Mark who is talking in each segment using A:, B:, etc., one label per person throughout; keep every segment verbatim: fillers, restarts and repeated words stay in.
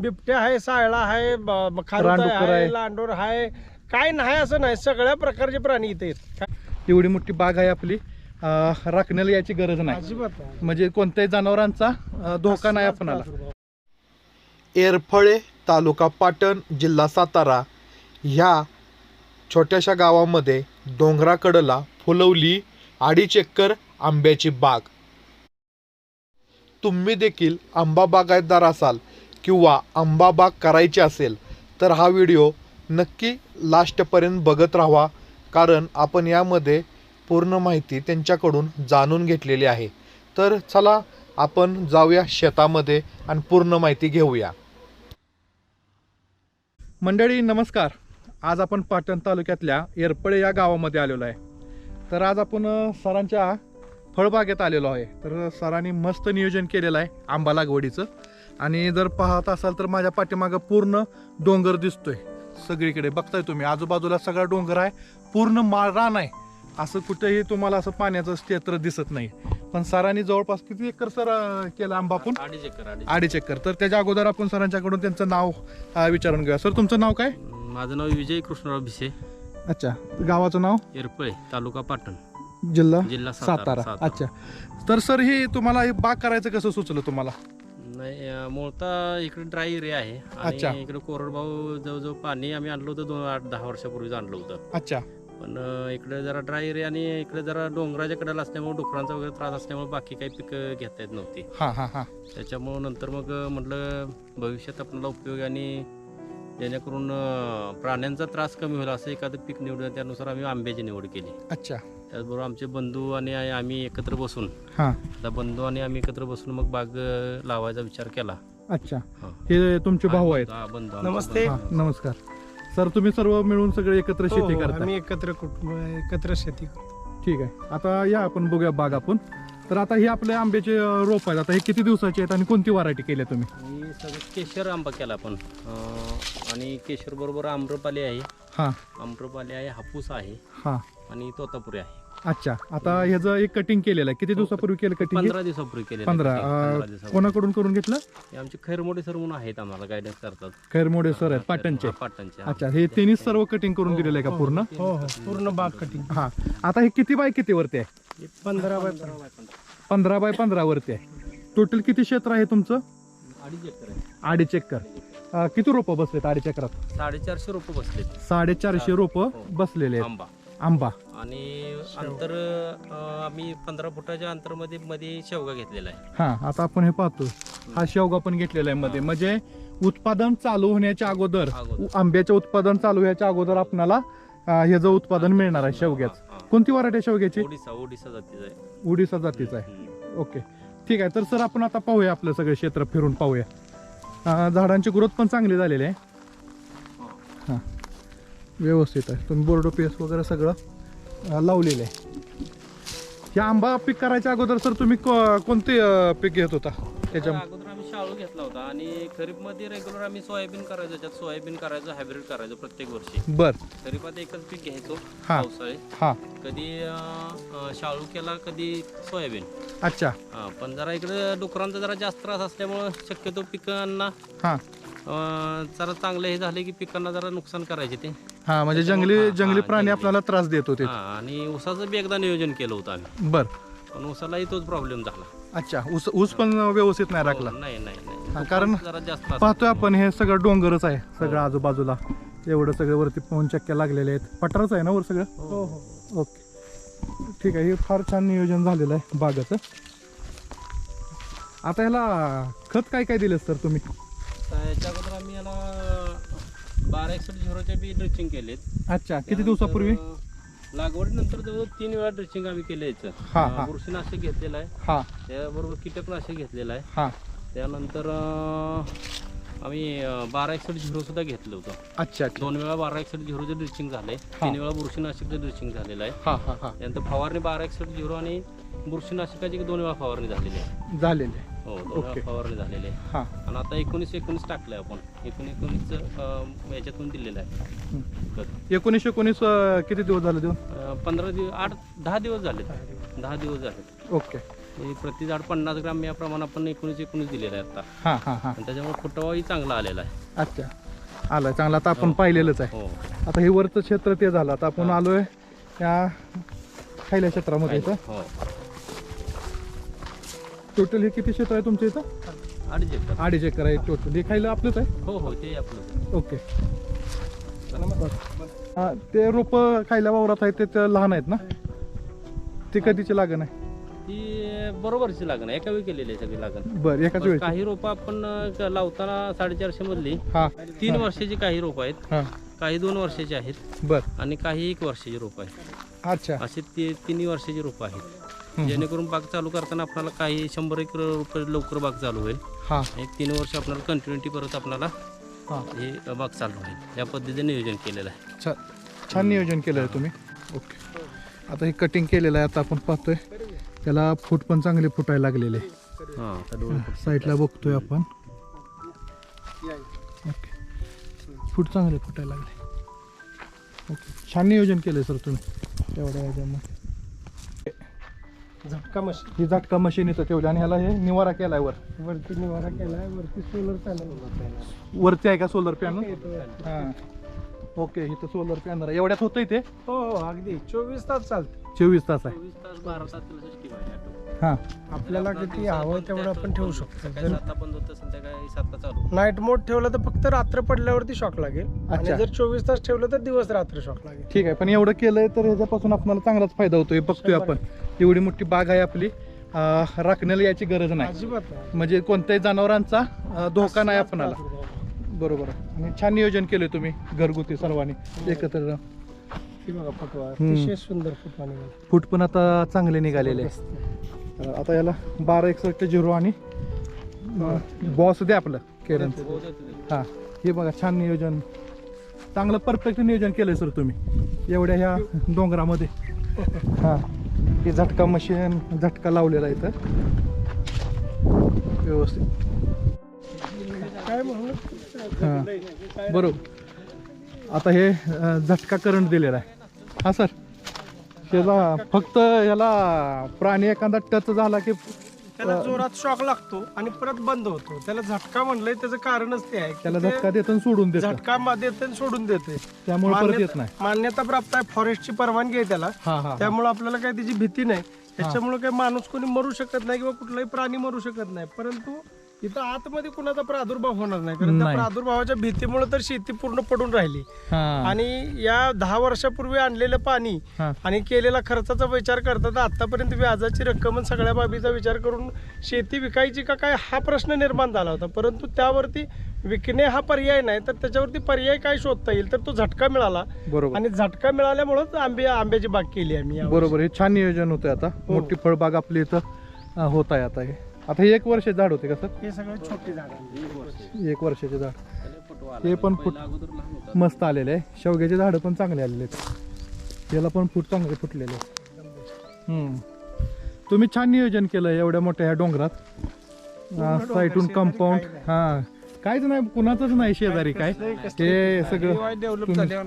A: बिबट्या आहे, सायळा आहे, ब- खारुताई
B: रानडुक्कर आहे.
A: आहे, लांडोर आहे, काय नाही असं नाही, सगळ्या प्रकारचे प्राणी इथे आहेत.
B: एवढी मोठी बाग आहे आपली, अं, राखण्याला याची गरज नाही,
A: अजिबात नाही.
B: म्हणजे कोणत्याही जनावरांचा अं, धोका नाही आपणाला.
A: प्रादुर्भाव.
C: एरफळे तालुका पाटण जिल्हा सातारा ह्या छोट्याशा गावामध्ये डोंगराकडला फुलवली अडीच एकर आंब्याची बाग. तुम्ही देखील आंबा बागायतदार असाल किंवा आंबा बाग करायची असेल तर हा व्हिडिओ नक्की लास्टपर्यंत बघत राहा, कारण आपण यामध्ये पूर्ण माहिती त्यांच्याकडून जाणून घेतलेली आहे. तर चला आपण जाऊया शेतामध्ये आणि पूर्ण माहिती घेऊया.
B: मंडळी नमस्कार. आज आपण पाटण तालुक्यातल्या एरपळे या गावामध्ये आलेलो आहे. तर आज आपण अ, सरांच्या फळबागेत आलेलो आहे. तर सरांनी मस्त नियोजन केलेलं आहे आंबा लागवडीचं. आणि जर पाहत असाल तर माझ्या पाठीमागं पूर्ण डोंगर दिसतोय. सगळीकडे बघताय तुम्ही, आजूबाजूला सगळा डोंगर आहे, पूर्ण माळ रान आहे. असं कुठेही तुम्हाला असं पाण्याचं क्षेत्र दिसत नाही. पण सरांनी जवळपास किती एकर सर अ, केला आंबा आपण?
D: अडीच एकर अडीच
B: अडीच एकर. तर त्याच्या अगोदर आपण सरांच्याकडून त्यांचं नाव अ, विचारून घेऊया. सर तुमचं नाव काय?
D: माझं नाव विजय कृष्णराव भिसे,
B: अच्छा. गावाचं नाव?
D: एरपळे तालुका पाटण
B: जिल्हा
D: जिल्हा
B: सातारा.
D: सातारा.
B: अच्छा. तर सर हे तुम्हाला हे बाग करायचं कसं सुचलं तुम्हाला?
D: नाही अं, मूळतः इकडे ड्राय एरिया आहे
B: अच्छा.
D: आणि इकडे कोरडभाऊ जवळजवळ पाणी आम्ही आणलं होतं दोन आठ दहा वर्षापूर्वीच आणलं होतं.
B: अच्छा.
D: पण अं, इकडे जरा ड्राय एरिया आणि इकडे जरा डोंगराच्या कडेला असल्यामुळे डुकरांचा वगैरे त्रास असल्यामुळे बाकी काही पिकं घेता येत नव्हती.
B: हा हा हा
D: त्याच्यामुळं नंतर मग अं, म्हटलं भविष्यात आपल्याला उपयोग आणि जेणेकरून अं, प्राण्यांचा त्रास कमी होईल असं एखादं पीक निवडलं. त्यानुसार आम्ही आंब्याची निवड केली.
B: अच्छा.
D: त्याचबरोबर आमचे बंधू आणि आम्ही एकत्र बसून
B: हा.
D: आता बंधू आणि आम्ही एकत्र बसून मग बाग अ, लावायचा विचार केला.
B: अच्छा.
D: हा.
B: हे तुमचे भाऊ आहेत?
D: हा, बंधू आमचे
A: नमस्ते.
B: हा,
D: बंधू.
B: नमस्कर सर. तुम्ही सर्व मिळून सगळे एकत्र
A: हो,
B: शेती
A: हो,
B: करता?
A: आम्ही एकत्र कुटुंब एकत्र शेती करतो.
B: ठीक आहे. आता या आपण बघूया बाग आपण. तर आता हे आपले आंब्याचे अं, रोप आहेत. आता हे किती दिवसाचे आहेत आणि कोणती व्हरायटी केली तुम्ही?
D: आणि सगळं केशर आंबा केला आपण अ, आणि केशर बरोबर आम्रपाली आहे,
B: हा
D: आम्रपाली आहे, हापूस आहे
B: हा.
D: आणि तोतापुरी आहे.
B: अच्छा. आता ह्याचं एक कटिंग केलेलं आहे. किती दिवसापूर्वी केलं कटिंग?
D: पंधरा दिवसापूर्वी केले.
B: पंधरा. अं, कोणाकडून करून घेतलं?
D: आमचे खैरमोडे सर म्हणून आहेत, आम्हाला गायडन्स करतात.
B: खैरमोडे सर आहेत पाटणचे?
D: हा, पाटणचे.
B: अच्छा. हे तिन्ही सर्व कटिंग करून दिलेलं आहे का पूर्ण?
A: हो हो पूर्ण बाग कटिंग.
B: हा. आता हे किती बाय किती वरती आहे?
A: पंधरा बाय
B: पंधरा बाय पंधरा वरती आहे. टोटल किती क्षेत्र आहे तुमचं?
D: अडीच एकर आहे.
B: अडीच एकर. अं, किती रोपं बसलेत अडीच एकरात?
D: साडेचारशे रोपं बसले
B: साडेचारशे रोपं
D: हो.
B: बसलेले आहेत.
D: आंबा
B: आंबा.
D: आणि अंतर अं, आम्ही पंधरा फुटाच्या अंतरमध्ये मध्ये शेवगा घेतलेला आहे.
B: हा. आता आपण हे पाहतो, हा शेवगा पण घेतलेला आहे मध्ये. म्हणजे उत्पादन चालू होण्याच्या अगोदर,
D: अगोदर.
B: आंब्याचे उत्पादन चालू होण्याच्या अगोदर आपल्याला अं, ह्याचं उत्पादन मिळणार आहे शेवग्याचं.
D: हा, हा.
B: कोणती व्हरायटी आहे शेवग्याची?
D: ओडिसा ओडिसा जातीचा आहे.
B: उडीसा जातीचा आहे.
D: हम्म.
B: ओके. ठीक आहे. तर सर आपण आता पाहूया, आपलं सगळं क्षेत्र फिरून पाहूया. अं, झाडांची ग्रोथ पण चांगली झालेली आहे. हां, व्यवस्थित आहे. तुम्ही बोर्डो पीएस वगैरे सगळं अं, लावलेलं आहे. या आंबा पीक करायच्या अगोदर सर तुम्ही को- कोणते अं, पीक घेत होता त्याच्या?
D: अगोदर आम्ही शाळू घेतला होता आणि खरीपमध्ये रेग्युलर आम्ही सोयाबीन करायचो. त्याच्यात सोयाबीन करायचं, हायब्रिड करायचो प्रत्येक वर्षी.
B: बर.
D: खरीपात एकच पीक घ्यायचो
B: हा.
D: पावसाळे.
B: हा.
D: कधी अं, अं, शाळू केला, कधी सोयाबीन.
B: अच्छा.
D: हा, पण जरा इकडे डुकरांचा जरा जास्त त्रास असल्यामुळं शक्यतो पिकांना
B: हा
D: अं, जरा चांगले हे झाले की पिकांना जरा नुकसान करायचे ते.
B: हा. म्हणजे जंगली
D: हा,
B: जंगली
D: हा,
B: प्राणी
D: जंगली.
B: आपल्याला त्रास देत होते.
D: हा, आणि ऊसाचं बी एकदा नियोजन केलं होतं आम्ही,
B: बर.
D: पण ऊसालाही तोच प्रॉब्लेम झाला.
B: अच्छा. ऊस ऊस पण व्यवस्थित नाही राखला?
D: हो, नाही नाही
B: हा,
D: नाही
B: कारण
D: जरा जास्त त्रास
B: पाहतोय
D: होतो.
B: आपण हे सगळं डोंगरच आहे
D: हो.
B: सगळं आजूबाजूला. एवढं सगळं वरती पवन चक्क्या लागलेले आहेत. पठारच आहे ना वर सगळं?
A: हो हो
B: ओके. ठीक आहे. हे फार छान नियोजन झालेलं आहे बागाचं. आता ह्याला खत काय काय दिलं सर तुम्ही?
D: तर याच्या अगोदर आम्ही याला बारा एकसष्ट झिरोचे बी ड्रिचिंग केलेत.
B: अच्छा. किती दिवसापूर्वी?
D: त्यानंतर लागवडीनंतर जवळ तीन वेळा ड्रिचिंग आम्ही केलं याचं.
B: हा, हा.
D: अं, बुरशीनाशक घेतलेलं आहे,
B: हा
D: त्याबरोबर कीटकनाशक घेतलेलं आहे.
B: हा.
D: त्यानंतर अं, आम्ही अं, बारा एकसष्ट झिरो सुद्धा घेतलं होतं.
B: अच्छा. अच्छा.
D: दोन वेळा बारा एकसष्ट झिरोचं ड्रिचिंग झालंय,
B: हा.
D: तीन वेळा बुरशीनाशकचं ड्रिचिंग झालेलं आहे.
B: हा हा हा.
D: त्यानंतर फवारणी बारा एकसष्ट झिरो आणि बुरशीनाशकाची दोन वेळा फवारणी झालेली आहे.
B: झालेले आहे.
D: हो, दोन
B: ओके.
D: वेळा फवारणी झालेली आहे.
B: हा.
D: आणि आता एकोणीस एकोणीस टाकलंय आपण. एकोण एकोणीसचं याच्यातून दिलेलं आहे खत.
B: एकोणीसशे एकोणीस अं, किती दिवस झाले देऊन?
D: अं, पंधरा दिवस आठ दहा दिवस झाले दहा दिवस झाले.
B: ओके.
D: हे प्रति झाड पन्नास ग्राम या प्रमाणे आपण एकोणीस एकोणीस दिलेलं आहे आता.
B: हां हां हां
D: आणि त्याच्यामुळे फुटवाही चांगला आलेला आहे.
B: अच्छा आलं चांगलं आता आपण
D: हो.
B: पाहिलेलंच आहे.
D: हो
B: आता हे वरचं क्षेत्र ते झालं आता आपण आलोय त्या खायल्या क्षेत्रामध्ये इथं.
D: हो
B: टोटल हे किती क्षेत्र आहे तुमच्या इथं?
D: अडीच एकर.
B: अडीच एकर आहे टोटल. हे खायला आपलंच आहे.
D: हो हो ते आपलं.
B: ओके हा, ते रोप खायला वावरात आहेत ते ते लहान आहेत ना? ते कधीची लागण आहे?
D: ती बरोबरची लागण आहे, एका वेळी केलेली आहे सगळी लागण.
B: बरं एकाच वेळी.
D: काही रोपं आपण अं, लावताना साडेचारशे मधली
B: हा
D: तीन वर्षाची काही रोपं आहेत,
B: हा
D: काही दोन वर्षाची आहेत
B: बरं
D: आणि काही एक वर्षाची रोपं आहेत.
B: अच्छा
D: असे ते तिन्ही वर्षाची रोपं आहेत. जेणेकरून बाग चालू करताना आपल्याला काही शंभर एक रुपये लवकर बाग चालू होईल.
B: हा
D: एक तीन वर्ष आपल्याला कंटिन्युटी परत आपल्याला
B: हा
D: हे बाग चालू होईल. या पद्धतीने नियोजन केलेलं आहे.
B: छान छान नियोजन केलं आहे तुम्ही. ओके आता हे कटिंग केलेलं आहे. आता आपण पाहतोय त्याला फूट पण चांगले फुटायला लागलेले.
D: हां आता डोळे
B: साईडला बघतोय आपण. ओके फूट चांगले फुटायला लागले. ओके छान नियोजन केलंय सर तुम्ही तेवढ्या ह्याच्यामध्ये.
A: झटका मशीन
B: ही झटका मशीन इथं ठेवली आणि ह्याला हे निवारा केलाय वर.
A: वरती निवारा केलाय, वरती सोलर पॅनल
B: वरती आहे का सोलर पॅनल? हां ओके इथं सोलर पॅनल आहे. एवढ्यात होतंय ते?
A: हो हो अगदी चोवीस तास चालते.
B: चोवीस तास आहे.
D: चोवीस तास बारा तास स्कीम आहे.
B: हां
A: आपल्याला किती हवं तेवढं आपण ठेवू शकतो.
D: सकाळी सातला बंद होतं, संध्याकाळी सातला चालू.
A: नाईट मोड ठेवलं तर फक्त रात्र पडल्यावरती शॉक लागेल आणि
B: अच्छा.
A: जर चोवीस तास ठेवलं तर दिवस रात्र शॉक लागेल.
B: ठीक आहे पण एवढं केलंय तर ह्याच्यापासून आपल्याला चांगलाच फायदा होतोय. बघतोय आपण एवढी मोठी बाग आहे आपली. अं, राखण्याला याची गरज नाही
A: अजिबात नाही.
B: म्हणजे कोणत्याही जनावरांचा अं, धोका नाही आपणाला. बरोबर आहे. आणि छान नियोजन केलंय तुम्ही घरगुती सर्वांनी एकत्र.
A: ही बघा फुटवा
B: हम्म.
A: अतिशय सुंदर फुटवा निघाला.
B: फूट पण आता चांगले निघालेले आहे. तर आता याला बारा एकसष्ट झिरो आणि बॉस द्या आपलं केरनचं. हां हे बघा छान नियोजन चांगलं परफेक्ट नियोजन केलंय सर तुम्ही एवढ्या ह्या डोंगरामध्ये. हां हे झटका मशीन झटका लावलेला आहे इथं व्यवस्थित.
A: काय म्हणून
B: हां बरोबर. आता हे अं, झटका करंट दिलेला आहे. हां सर त्याला फक्त याला प्राणी एखादा टच झाला की
A: त्याला जोरात शॉक लागतो आणि परत बंद होतो. त्याला झटका म्हणलंय त्याचं कारणच ते आहे की
B: त्याला
A: ते
B: झटका देतं आणि सोडून देतं
A: झटका मा- देते आणि सोडून देते.
B: त्यामुळे परत येत
A: मान्यता
B: नाही.
A: मान्यता प्राप्त आहे, फॉरेस्टची परवानगी आहे त्याला.
B: हां हां
A: त्यामुळे आपल्याला काही त्याची भीती नाही. त्याच्यामुळे काही माणूस कोणी मरू शकत नाही किंवा कुठलाही प्राणी मरू शकत नाही. परंतु इथं आतमध्ये कुणाचा प्रादुर्भाव होणार नाही कारण त्या
B: नाही.
A: प्रादुर्भावाच्या भीतीमुळे तर शेती पूर्ण पडून राहिली.
B: हां
A: आणि या दहा वर्षापूर्वी आणलेलं पाणी
B: हां
A: आणि केलेला खर्चाचा विचार करता तर आतापर्यंत व्याजाची रक्कम आणि सगळ्या बाबीचा विचार करून शेती विकायची का काय हा प्रश्न निर्माण झाला होता. परंतु त्यावरती विकणे हा पर्याय नाही तर त्याच्यावरती पर्याय काय शोधता येईल तर तो झटका मिळाला.
B: बरोबर
A: आणि झटका मिळाल्यामुळेच आंबे आंब्याची बाग केली आम्ही यावर्षी.
B: बरोबर हे छान नियोजन होतं. आता मोठी फळबाग आपली इथं अं, होत आहे. आता हे आता हे एक वर्ष झाड होते का सर?
A: हे सगळे छोटे झाड आहे.
B: एक वर्षाचे झाड
D: फुटवा
B: हे पण फुट
D: पहिला अगोदर लहान होता.
B: मस्त आलेले आहे. शेवग्याचे झाडं पण चांगले आलेले आहेत. याला पण फूट चांगले फुटलेले आहेत. हम्म. तुम्ही छान नियोजन केलं एवढ्या मोठ्या ह्या डोंगरात साईटून कंपाऊंड. हां काहीच नाही कुणाचंच नाही शेजारी काय हे सगळं
A: डेव्हलप
B: तुम्ही-
A: झाले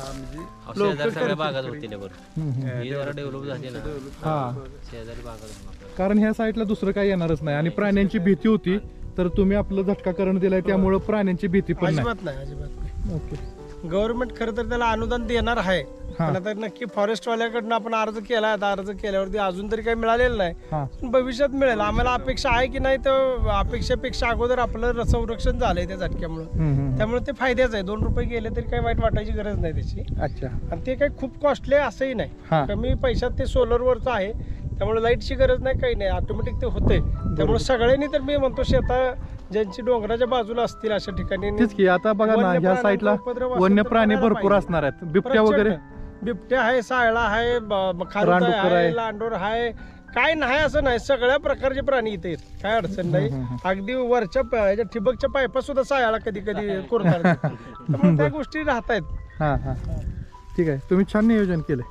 D: अहो, शेजारी सगळ्या बागात होतील बरं.
B: हम्म, हम्म.
D: ही जरा डेव्हलप झाली ना
B: हां
D: शेजारी बागात होणार.
B: कारण ह्या साईडला दुसरं काही येणारच नाही आणि प्राण्यांची भीती होती तर तुम्ही आपलं झटका करण दिलाय त्यामुळे प्राण्यांची भीती पण नाही.
A: अजिबात नाही अजिबात नाही.
B: ओके
A: गव्हर्नमेंट खरं तर त्याला अनुदान देणार आहे.
B: हां
A: पण आता नक्की फॉरेस्टवाल्याकडनं आपण अर्ज केला आता अर्ज केल्यावरती अजून तरी काही मिळालेलं नाही.
B: हां
A: पण भविष्यात मिळेल. आम्हाला अपेक्षा आहे की नाही तर अपेक्षेपेक्षा अगोदर आपलं संरक्षण झालंय त्या झटक्यामुळे.
B: हम्म, हम्म.
A: त्यामुळे ते फायद्याच आहे. दोन रुपये गेले तरी काही वाईट वाटायची गरज नाही त्याची.
B: अच्छा
A: आणि ते काही खूप कॉस्टली आहे असंही नाही.
B: हां
A: कमी पैशात ते सोलरवरचं आहे त्यामुळे लाईटची गरज नाही काही नाही ऑटोमॅटिक ते होते. त्यामुळे सगळ्यांनी तर मी म्हणतो शेता ज्यांची डोंगराच्या बाजूला असतील अशा ठिकाणी
B: तेच की आता बघा ना
A: वन्य
B: ह्या साईडला
A: प्राण्यांचा उपद्रव असेल
B: वन्य
A: तर
B: प्राणी
A: करायला
B: भरपूर
A: पाहिजे.
B: असणार आहेत. बिबट्या वगैरे
A: बिबट्या आहे, सायळा आहे, ब- खारुताई
B: रानडुक्कर आहे.
A: आहे, लांडोर आहे. काय नाही असं नाही सगळ्या प्रकारचे प्राणी इथे आहेत. काय अडचण नाही.
B: हम्म, हम्म,
A: अगदी वरच्या प- ह्याच्या ठिबकच्या पायपा सुद्धा सायाळा कधी कधी कुरतात. त्यामुळे त्या गोष्टी राहत आहेत.
B: हां हां ठीक आहे. तुम्ही छान नियोजन केलंय.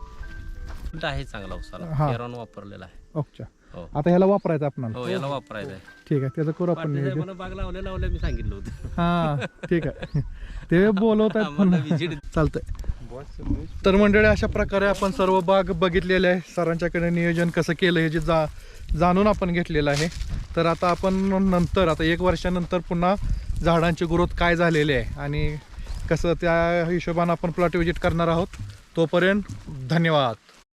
D: आहे चांगला उसाला
B: हां.
D: केरॉन वापरलेला आहे.
B: ओके
D: हो
B: आता ह्याला वापरायचं आपणाला.
D: हो याला वापरायचं आहे.
B: ठीक आहे त्याचं करू आपण
D: पाटील
B: नियोजन.
D: साहेबांना बाग लावल्या लावल्या मी सांगितलं होतं.
B: हां ठीक आहे ते बोलवत आहेत पण
D: आम्हाला visit-
B: चालतंय. तर मंडळी अशा प्रकारे आपण सर्व बाग बघितलेले आहे. सरांच्याकडे नियोजन कसं केलं हे जे जा जाणून आपण घेतलेलं आहे. तर आता आपण नंतर आता एक वर्षानंतर पुन्हा झाडांची ग्रोथ काय झालेली आहे आणि कसं त्या हिशोबानं आपण प्लॉट व्हिजिट करणार आहोत. तोपर्यंत धन्यवाद.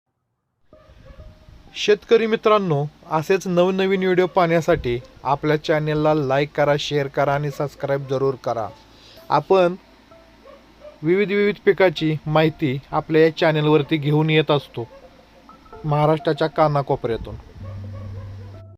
C: शेतकरी मित्रांनो, असेच नवनवीन व्हिडिओ पाहण्यासाठी आपल्या चॅनेलला लाईक करा, शेअर करा आणि सबस्क्राईब जरूर करा. आपण विविध विविध पिकाची माहिती आपल्या या चॅनेलवरती घेऊन येत असतो महाराष्ट्राच्या कानाकोपऱ्यातून.